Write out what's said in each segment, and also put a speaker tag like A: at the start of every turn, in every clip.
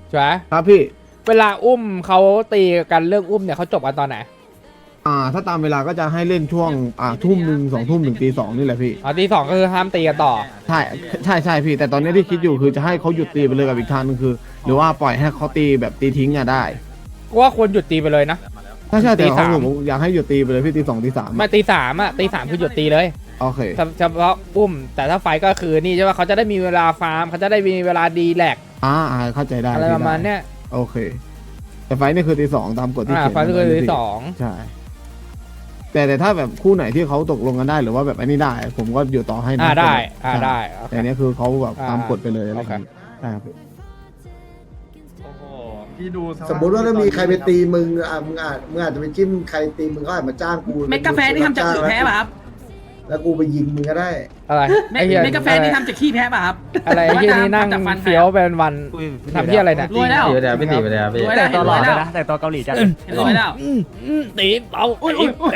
A: ใช่ไหม
B: ครับพี่
A: เวลาอุ้มเขาตีกันเรื่องอุ้มเนี่ยเขาจบกันตอนไหน
B: ถ้าตามเวลาก็จะให้เล่นช่วงทุ่มหนึ่ง2 ทุ่มถึงตี 2นี่แหละพี่
A: อ๋อตี 2ก็คือห้ามตีกันต่อ
B: ใช่พี่แต่ตอนนี้ที่คิดอยู่คือจะให้เขาหยุดตีไปเลยกับอีกทางนึงคือ หรือว่าปล่อยให้เขาตีแบบตีทิ้งได้
A: ก็ว่าควรหยุดตีไปเลยนะ
B: ใช่แต่
A: ตี
B: เขา
A: 3
B: ผมอยากให้หยุดตีไปเลยพี่ตี 2 ตี 3
A: ไม่ตี3อ่ะตี 3คือหยุดตีเลย
B: โอเค
A: เฉพาะอุ้มแต่ถ้าไฟก็คือนี่ใช่ไหมเขาจะได้มีเวลาฟาร์มเขาจะได้มีเวลาดีแลก
B: เข้าใจได้
A: อะไรประมาณเนี้ย
B: โอเค แต่ไฟนี่คือตี 2ตามกฎที่เขียน
A: ไฟก็คือตี
B: ใช่แต่ถ้าแบบคู่ไหนที่เขาตกลงกันได้หรือว่าแบบอันนี้ได้ ผมก็อยู่ต่อให้นะ
A: ได้
B: ใช่
A: ได้
B: แต่อันนี้คือเขาแบบตามกฎไปเลยอะไร
A: โอ
B: อ
A: เค
B: ย่างนี้ได้ครับพี่
C: โอ้โหพี่ดู
D: สมมติว่าถ้ามีใครไปตีมึงมึงอาจจะไปจิ้มใครตีมึงก็อาจมาจ้างกู
E: เม็ดกาแฟที่ทำจากขี้แพ้ป่ะครับ
D: แล้วกูไปยิงมึงก็ได้
A: อะไร
E: เม็ดกาแฟที่ทำจากขี้แพ้ป่ะครับ
A: อะไรไอ้ที่นี่นั่งเฟี้ยวเป็นวันทำที่อะไรเนี่ย
E: รวยแล้ว
C: เดี๋ยวพี่ตีไปเลยพี่
E: รวยแล้ว
F: แต่ตัวห
E: ร
F: ล่อ
E: วย
F: เล
E: แล้
F: ยว นะแต่ตัวเกาหลีจัด
E: รวยแล้ว
A: ตีเอาตี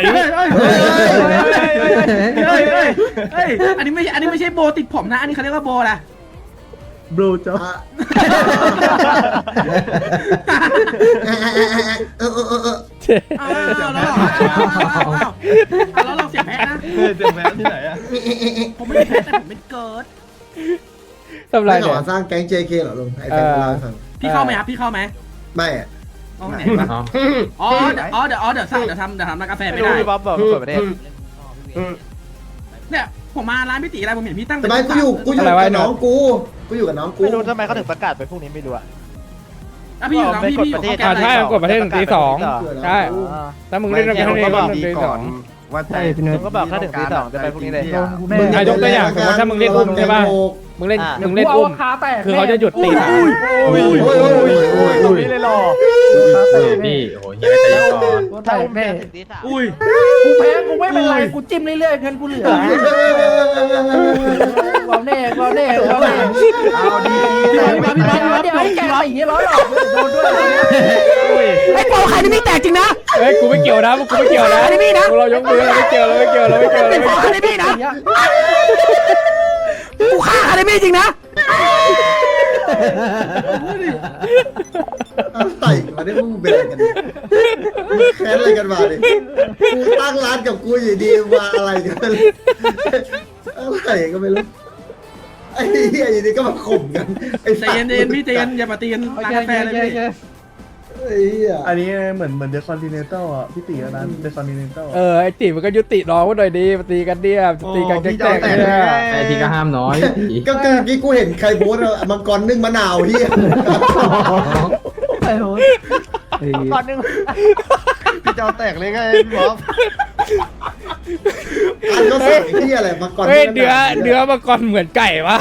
E: เฮ้ยอันนี้ไม่ใช่โบติดผมนะอันนี้เขาเรียกว่าโบล่ะ
B: บลูจ๊อบ
E: แล้วเราเสียแพ้นะ
C: เจ็บแพ้ที่ไหนอะ
E: ผมไม่ได้แพ้แต่ผมเป็นเกิร์ด
A: ทำไร
D: ไม่ข
A: เนี่ย
D: อสร้างแก๊ง JK เหรอลุงไอ้แฟนเราให้ฟัง
E: พี่เข้าไหมครับพี่เข้าไหม
D: ไม่อะ
E: เอาไหนวะอ๋อเดี๋ยวทำร้านกาแฟไม่ได้
F: พี่บ๊อบบอกเปิดประเทศ
E: เนี่ยผมมาร้านพี่ตีอะไรผมเห็นพี่ตั้ง
D: แต่ไม่กูอยู่กับน้องกูอยู่กับน้องกู
F: ไม่รู้ทำไมเขาถึงประกาศไปพรุ่งนี้ไม่รู้อะ
E: พี่อยู่น้องพี่อยู่เขาแก้
A: ใช่
E: อะไร
A: กดประเทศถึงตี 2ใช่ถ้ามึงเล่นกันที่นี่ก็ถึงตี 2
F: ว่าใช่พี่นุ้ยก็บอกถ้าถึงตี 2จะไปพรุ่งนี้เลย
A: มึงยกตัวอย่างสมมติถ้ามึงเล่นอุ้มใช่ป่ะมึงเล่นอุ้มคือเขาจะหยุดตี 3
F: นี่เลยหรอ
C: พี่โอ้โหเฮียใจเย็นก่อน
F: ถ้าอุ้มเนี่ยถึงตี 3
E: อุ้ย
G: กูแพ้กูไม่เป็นไรกูจิ้มเรื่อยๆเงินกูเหลือก่อนแน่ก่อนแน่ก่อนแน่
F: เอาดี
G: เดี๋ยวให้แกตีร้อยหรอกโดนด้วยไอ้โปใครนี่ไม่แตกจริงนะ
A: เฮ้ยกูไม่เกี่ยวนะกูไม่เกี่ยวนะเรายกมือเราไม่เกี่ยวเราไม่เกี่ยวเราไม่เกี่ยว
G: เป็นคาเดมี่นะกูฆ่าคาเดมี่จริงนะ
D: ไต่มาได้มึงเป็นอะไรกันเนี่ยแค้นอะไรกันมาดิกูตั้งร้านกับกูอยู่ดีมาอะไรกันอะไรก็ไม่รู้ไอ้เหี้ยอยู่ดีก็มาข่มกันไอ้
E: ใจเย็นพี่ใจเย็นอย่ามาตีกันร้านกาแฟเลยพี่
D: ไอ้เหี้ย
H: อันนี้เหมือนเดอะคอนติเนนตัลอ่ะพี่ตีอันนั้นเดอะคอนติเนนตัล
A: ไอ้ตีมันก็ยุติน้องมันหน่อยดีมาตีกันเนี่ยตีกันแกล้งเนี่ย
C: ไอพี่ก็ห้ามน้อย
D: ก็คือกี้กูเห็นใครโพสมังกรนึ่งมะนาวเหี้ย
G: ไอ้โห
F: ก่อนนึง
H: พี่เจ้าแตกเลยไงพี่บ๊อบ
D: อันก็สั่งเหี้ยอะไรมังกร
A: เฮ้ยเนื้อมังกรเหมือนไก่ปะ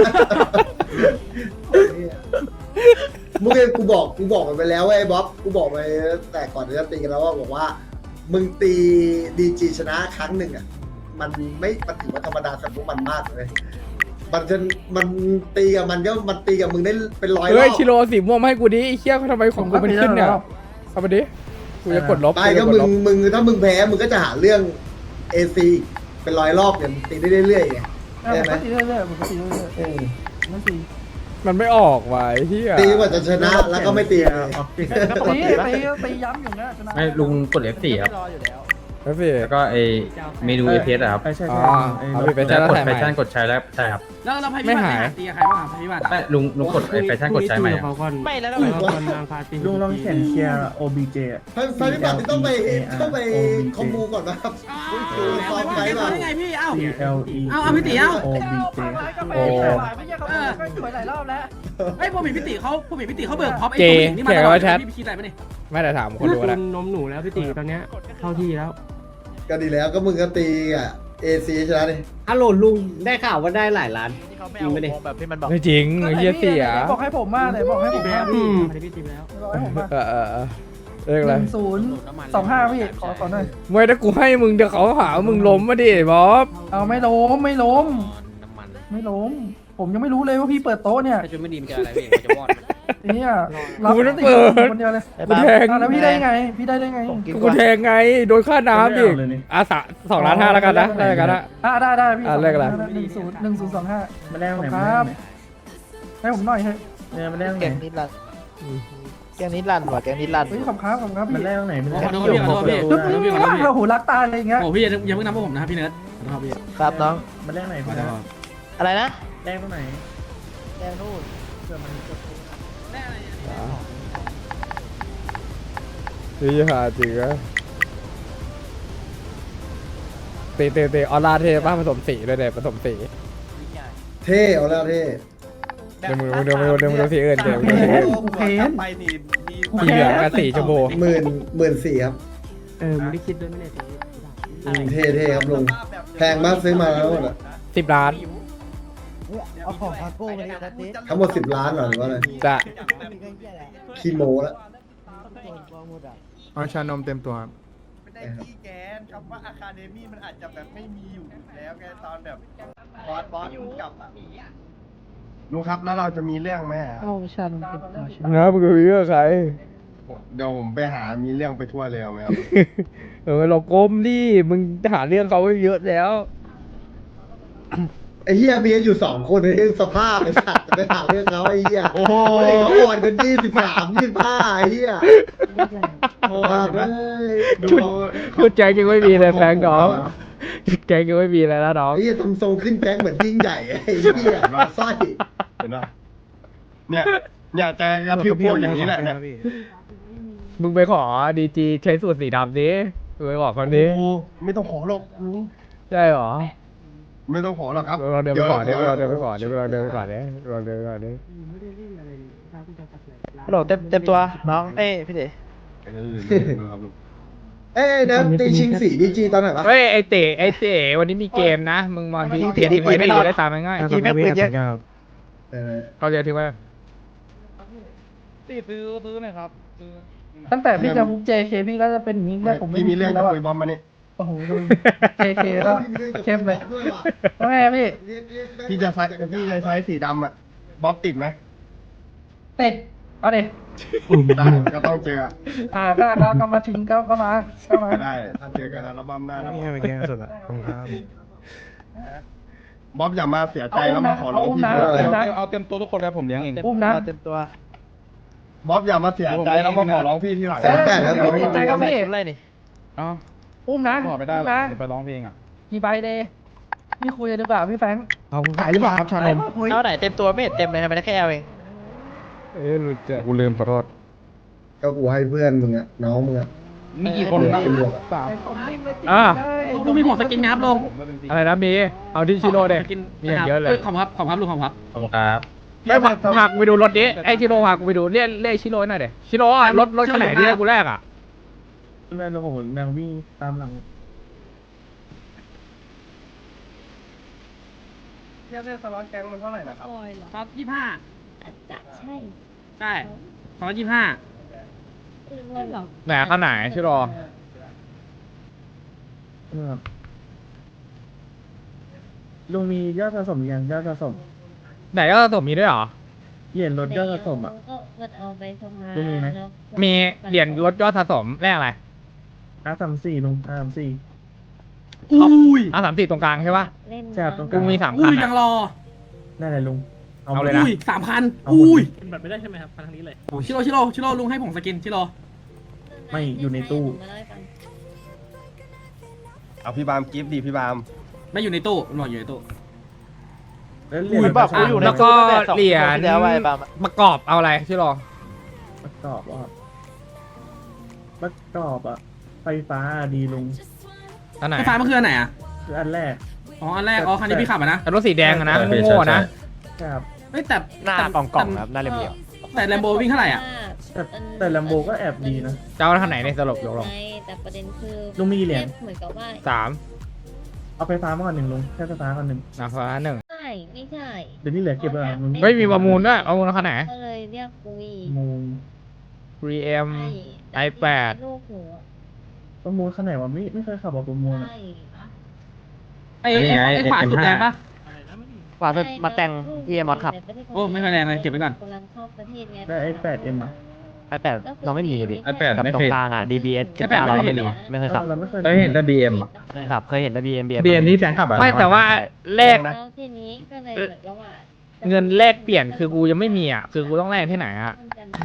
D: เมื่อกี้กูบอกมันไปแล้วไอ้บ๊อบกูบอกไปแต่ก่อนจะตีกันแล้วว่าบอกว่า มึงตีดีจีชนะครั้งหนึ่งอ่ะมันถือว่าธรรมดาสำหรับมันมากเลยมันตีกับมันตีกับมึงได้เป็นร้อยรอบ
A: เฮ้ยชิโร่สีม่วงมาให้กูดิไอ้เหี้ยทำไมของกูมันขึ้นเนี่ยเอาไปดิกูจะกดลบ
D: ไม่ก็มึงถ้ามึงแพ้มึงก็จะหาเรื่องเอซีเป็นร้อยรอบเนี่ยมึงตีได้เรื่อยๆไงใช่ไหม
G: ตีเรื่อยๆผมก็ตีเรื่อยๆไม่ตี
A: มันไม่ออกว่ะไอ้เหี้ย
D: ตีกว่าจะชนะแล้วก็ไม่ตีเลย
G: ตีย้ำอยู่นะชนะ
C: ไม่ลุงกด F4 ครับ
F: รออยู่แล้ว
A: แล้วสิ
C: แล้วก็ไอเมนู APS อะครับ
H: ใช่
A: อ๋อ เอาไป
C: แล้ว
A: ใช้แล้ว
C: กด
A: ถ่าย
C: แฟ
A: ใหม่
C: ชั่นกดใช้แล้วใช่ครับ
E: แล้วเราพี่บัตรตีใครบ้างพี่บัตร
C: ไม่ลุงกดไอแฟชั่นกดใช้ใหม่อะ
F: ไม่แล้ว
H: ลุงลองเขียนเคลียร์ OBJ อ่ะ
D: ไฟพิบัติต้องไปคอมมูก่อนนะครับ
E: ซ้อมไงพี่เอ้า
H: CLE
E: เอาพี่ตีเอ้า
H: OBJ
G: โอ้ไม่ใช่เขาไม่สวยหลายรอบแล้ว
E: ไอ้ผมเห็นพี่ตีเขาเบิกพร็อพไอ้ตัวหญิงนี่มาตลอดพี่คิดอะไรปะเนี่ย
A: ไม่ได้ถามคนดูนะ
I: นมหนูแล้วพี่ตีตอนเนี้ยเข้าที่แล้ว
D: ก็ดีแล้วก็มึงก็ตีอ่ะเอซีชนะดิ
I: ฮัลโหลลุงได้ข่าวว่าได้หลายล้าน
F: ที่เขาไม่เอาวงแบบที่มันบอก
A: ไม่จริงไอ้เหี้ยเสีย
G: บอกให้ผมมาเลยบอกให้ผมมา
I: พี่
G: พี่
I: พี่ตีไปแล้ว
G: บอกให้ผมมา
A: เรียกอะไร
G: 1025พี่ขอหน่อย
A: ไม่ถ้ากูให้มึงเดี๋ยวเขาหามึงล้มมาดิบ๊อบ
G: เอาไม่ล้มไม่ล้ม ผมยังไม่รู้เลยว่าพี่เปิดโต๊ะเนี่ย
I: ถ้าชุดไม่ดีมันจะอะไรพี่จะวอด
G: เนี่ย
A: กูไม่ต้องเปิด
G: คนเดียวเลย
A: กูแทง
G: แล้วพี่ได้ไงพี่ได้ไง
A: กูแทงไงโดนค่าน้ำดิ2.5 แล้วกันนะได้กันนะ
G: ได้พี่
A: เลขอะไร
G: 1025
H: มาแลกไหน
G: ค
H: มา
G: รับ
H: แลกไหน
G: ให้ผมหน่อยเถอะ
H: เนี่ยมาแลกไหน
F: เก่งนิดละแกงนี้ลั่นว่ะแกงนี้ลั่น
H: เฮ้ยขอบครับพี่มันแรกตรงไหนมัน
E: ขอโทษพี่ขอโทษพี่
H: ดูได้
G: โอ้โหรักตาอะไรเงี้ย
E: โอ้พี่ยังไม่นับพวกผมนะครับพี่เนิร์ดขอโทษพี่
F: ครับน้อง
H: มันแรกไหน
E: ขอ
H: พี่
E: โท
H: นะ
E: ษ
F: อะไรนะ
H: แรกตรงไหน
F: แกงนู่น
A: นี่หาจริงอะเตออร่าเทป่ะผสมสีด้วยเนี่ยผสมสี
D: เท่เอาแล้วเท่
A: เดี๋ยวมึงดูสีอื่นเดี๋ยวมึงดูสีอื่น
G: กูเพ้น
A: สีเหลืองกับสีชมพู
D: 14,000ครับ
I: มึงได้คิดด้วยไหมเนี่ย
D: เท่ครับลุงแพงมากซื้อมาแล้วหมดอะ
A: 10 ล้าน
F: เอาของคาโก้มาดิทัศน์
D: ทั้งหมด10 ล้านเหรอหรือว่าอะไร
A: จะ
D: คีโมแล้ว
B: เอาชานมเต็มตัวครับ
J: ไม่ได้ขี้แกนคำว่าอะคาเดมี่มันอาจจะแบบไม่มีอยู่แล้วไงตอนแบบบอสมึงกลับอ่ะ
H: ลุงครับแล้วเราจะมีเรื่องไหม
F: เอาชัน
A: นะมึงคุยกับใคร
H: เดี๋ยวผมไปหามีเรื่องไปทั่วเลยเอาไหมครับ
A: เราก้มดิมึงหาเรื่องเขาไว้เยอะแล้ว
D: ไอ้เหี้ยมีกันอยู่2 คนไอ้สภาพไอ้สัตว์จะไปถามเรื่องเขาไอ้เหี้ยโอ้โหเขาอ่อนกัน23 25ไอ้เหี้ยโอ้โหเลย
A: ชุดแจ็คยังไม่มีเลยแฟงน้องชุดแจ็คยังไม่มีเลยนะน้อง
D: ไอ้เหี้ยทำทรงขึ้นแบงค์เหมือนยิ่งใหญ่ไอ้เหี้ยสร้อย
H: เห็นป่ะเนี่ยจะกระพริบพวกอย่างนี้แหละเนี่ย
A: มึงไปขอดีจีใช้สูตรสีดำดิมึงไปบอกคนนี้
H: โอ้ไม่ต้องขอหรอกลุง
A: ใช่หรอ
H: ไม่ต้องขอหรอกครับ
A: เราเดินไปก่อนดิเราเดินไปก่อนดิเราเดินไปก่อนดิเราเดินไปก่อนดิ
F: ฮัลโหลเต็มตัวน้องเอ้ยพี่เด๋
D: เอ้ยเดี๋ยวตีชิงสีดีจีตอนไหนวะ
A: เฮ้ยไอเต๋วันนี้มีเกมนะ มึงมองที่เต๋ทิ้งไว้ไม่ดีได้ตามง่าย
F: ทีแม่ปืนเยอะ
A: เขาจะทิ้งไว้
I: ซื้อหน่อยครับซื้อ
G: ตั้งแต่พี่จะมุก JK พี่ก็จะเป็นอย่างนี้แรกผมไม่
H: พี่มีเรื่อง
G: แล้
H: จะ
G: วอะ
H: คุยบอมมานี่
G: โอ้โหดู JK ก็เข้มเลยว่าไงพี่
H: พี่จะใช้สีดำอ่ะบ๊อบติดไหม
G: ติดเอาดิ
H: ได้ก็ต้องเจอ
G: ก็มาทิ้งก็มา
H: ได้ถ้าเจอกันแล้วบ๊อบได้
I: นี่เป็นแค่สุดอ่ะขอบคุณครับ
H: บ๊อบอย่ามาเสียใจแล้วมาขอร้องพี่
I: เอาเต็มตัวทุกคนครับผมเลี้ยงเอง
G: อุ้มนะ
F: เต็มตัว
H: บ๊อบอย่ามาเสียใจแล้วมาขอร้องพี่ที่หลัง
D: 800แล้ว
G: ใจก็พี่
F: อะไรนี่
I: อ๋อ
G: อุ้มนะ
I: บอกไม่ได้หรอก
G: นะ
I: เดี๋ยวไปร้องเพลงอ่ะ
G: กี่ใบเลยพี่คุยกันดีกว่าพี่แฟง
B: เอาขายหรือเปล่าครับชานม
F: เอาไหนเต็มตัวไม่เห็นเต็มเลยทำไมได้แค่เอาเอง
A: รู้จัก
I: กูลืมขอโทษ
D: ก็กูให้เพื่อนมึงอะน้องมึงอะ
I: มีกี่คน
D: เป็นบวกอะ
A: อ่ะ
E: ลุงมีผมสกินไหมครับลุง
A: อะไรนะมีเอาที่ชิโร่เด็
E: สกิน
A: มีอย่างเยอะเลย
E: ขอบครับลุงขอบครับ
C: ขอบคุณครับ
A: ไม่พากูไปดูรถดิไอชิโร่พากูไปดูเรียกชิโร่หน่อยเด็ชิโร่อะรถคันไหนที่ให้กูแรกอ่ะ
H: แม่เราโหนแมววิ่งตามหลัง
G: เทียบได้สล็อตแกงมันเท่าไหร่นะครับ
E: ครับ25
K: จะใช่
E: ใช่225
A: ไหนคันไหนชิโร่
H: ลุงมียอดสะสมยังยอดสะสม
A: ไหนก็สมมีด้วยเหรอ
H: เหรียญลดยอดสะสมอ่ะ
K: ก็เอาไปสภา
H: ลุงมีไหม
K: แล้ว
A: มีเหรียญลดยอดสะสมแรกอะไร
H: R34ลุง R34
E: อุ้ย
A: 34ตรงกลางใช่ปะ
K: เล่น
H: ใช่ครับตรงก
A: กู
H: ลาง
A: มี3คั
E: อุ้
A: น
E: ยยั
A: อะ
E: งรอ
H: ได้เลยลุง
A: เอาเลยนะ
E: อุ้ย3คัน
H: เอาหมด
E: อุ้ย
I: บัตรไม่ได้ใช่ไหมครับทางนี้เลย
E: ชิโร่ลุงให้ผมสกินชิโร่
H: ไม่อยู่ในตู้
K: มาเล่าให้ฟัง
H: เอาพี่บามกิฟต์ดีพี่บาม
E: ไม่อยู่ในตู้หน่อยอยู่ในตู้
H: แล้วเหรียญ
F: แบบกูอยู่ใน
A: แล้วก็เหรียญ
F: เดี๋ยวไว้ปาล์ม
A: ประกอบเอาอะไรชิโร่
H: ประกอบอ่ะประกอบอ่ะไฟฟ้าดีลุง
A: อันไหน
E: ไฟฟ้ามันคืออันไหนอ่ะ
H: คืออันแรก
E: อ๋ออันแรกคันนี้พี่ขับอ่ะนะ
A: แต่รถสีแดงอะนะ
C: ใช่
A: โง่ๆนะ
H: ครับ
E: เฮ้ยแต่
F: หน้ากล่องครับหน้าเรียบ
E: แต่แลมโบวิ่งเท่าไหร่อ่ะ
H: แต่แลมโบก็แอบดีนะ
A: จะเอาคันไหนในสรุปยกลง
K: ไงแต่ประเด็นคือ
H: ลุงมีกี่เหรียญ
K: เหมือนกับว่า
A: 3
H: เอาไฟฟ้ามาก่อนหนึ่งลุงแค่ไฟฟ้าก่อนหนึ่ง
A: นะฟ้าหนึ่ง
K: ใช่ไม่ใช่
H: เดี๋ยวที่เหลือเก็บไว้ลุง
A: เฮ้ยมีประมูลด้วยประมูลคันไหน
K: ก็เลยเรียกคุย
H: มูล
A: 3M
K: ใช่
A: i8
K: ลูกหัว
H: ประมูลขนาดว่าไม่เคยขับบอกประมูลอ่ะ
K: ใช่
E: ไอ้ขวาสุดแรงปะ
F: กว่ามาแต่งที่มอสขับ
E: โอ้ไม่ค่อยแรงเลยเก็บไว้ก่อน
K: กำลังเข้าประเทศไง
H: ได้ไอ้ 8M อ่ะ
F: iPad เราไม่มีดิ
C: iPad
F: กับ
C: ไม่
F: ตร
C: เค
F: ง
C: ย
F: กลางอ่ะ DBS
E: iPad
F: เรา
E: ไม่
F: ก็
E: เห็
F: ไม่
E: น
F: มี
E: เหรอ
F: ไม่เคยขับ
H: เราไม่เคย
C: เคยเห็นแต่ BM อ่ะ
F: เคยขับเคยเห็นแต่ BM
C: ที่แฟนขับอ่ะ
A: ไม่แต่ว่าแลก
K: แล้วทีนี้ก็เลยเหมือนกับว่า
A: เงินแลกเปลี่ยนคือกูยังไม่มีอ่ะคือกูต้องแลกที่ไหนอ่ะ
K: มันกันแล้ว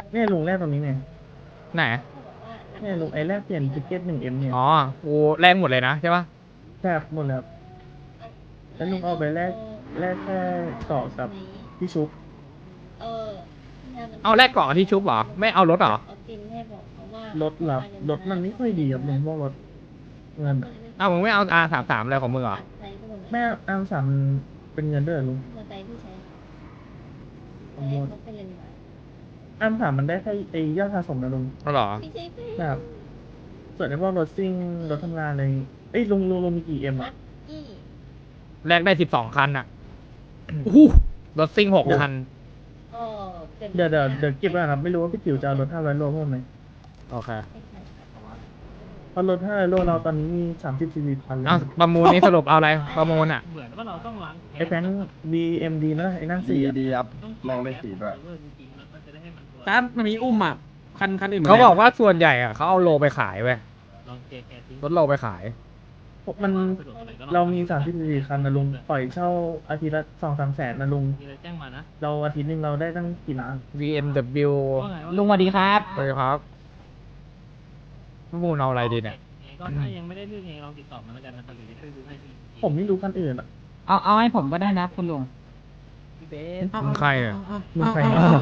H: เนี่ยลุงแรกตรงนี้ไง
A: ไหน
H: เนี่ยลุงไอ้แรกเปลี่ยนติเก็ต1M เนี่ย
A: อ๋อกูแลกหมดเลยนะใช่ปะ
H: แทบหมดแล้วแล้วลุงเอาไปแลกแค่เกาะกับพี่ชุบ
K: เออ
A: เอาแลกเกาะที่ชุบเหรอไม่เอารถเหรอ
K: เอาตินให้บอกเขาว่าร
H: ถหลับรถมันไม่ค่อยดีครับลุงพวกรถเงินอะ
A: เอามึงไม่เอา R33อะไรของมึงเหรอ
K: ใช้ก็หมด
H: แม่อันสามมันเป็นเงินด้วยเหรอลุง
K: มอไซค์ที่ใช้
H: ขโมย
K: เขาเป็นเลยมา
H: อันสามมันได้แค่ไอ้ยอดสะสมนะลุง
A: เอาเหรอ
K: ไม่ใช่เพื่อน
H: แบบส่วนไอ้พวกรถซิ่งรถทำงานอะไรเอ้ยลุงมีกี่M อ่ะ
K: อี้
A: แลกได้12 คันอ่ะอู้รถซิ่ง6 คัน
K: อ๋อเป็น
H: เดี๋ยวเก็บไว้นะครับไม่รู้ว่าพี่จิ๋วจะเอารถ500 โลเพิ่มไหม
A: โอเค
H: เพราะรถ500 โลเราตอนนี้มี30 cc พันเลย
A: เอาประมูลนี้สรุปเอาอะไรประมูลอ่ะ
I: เหมือนว่าเราต้องล้าง
H: ไอ้แฟง BMD นะไอ้นั่งสี่อะ
J: ดีครับนั่งได้4ด้วย
E: แต่มันมีอุ้มอ่ะคันอื่น
A: เขาบอกว่าส่วนใหญ่อ่ะเขาเอาโลไปขายเว้ย
I: ลองเจแคส
A: รถโลไปขาย
H: มันเรามี30 cc คันนะลุงปล่อยเช่าอาทิตย์ละ 2-3 แสนนะลุง
I: มีอะไรแจ้งมานะ
H: เราอาทิตย์หนึงเราได้ตั้งกี่ล้าน
A: BMW
I: ว่าไง
G: ลุงสวัสดีครับ
A: ไปครับประมูลเอาอะไรดีเนี่ย
I: ก็ถ้ายังไม่ได้เรื่องเองลองติดต่อมาแล้วกันนะครับหรือช่วยดูให้ที
H: ผมไม่รู้คันอื่นอ่ะ
G: เอาให้ผมก็ได้นะคุณลุง
A: มึงใครอ่ะ
H: ลุงใคร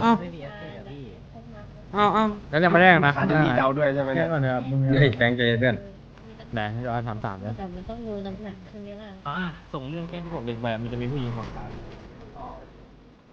E: เอา
A: แล้วยังไม่ได้นะ
J: จะมีเดาด้วยใช่ไหม
H: แค่
J: เนี่ย
H: ก่อนนะครับลุง
C: เฮ้ยแฟงใจเพื่อน
A: ไหนย้อนถามเนี่ย
K: แต่มันต้องดูน้ำหนักใช่ไหมล่ะ
I: ส่งเรื่องแค่ที่ผมเด็กไปมันจะมีผู้หญิงของ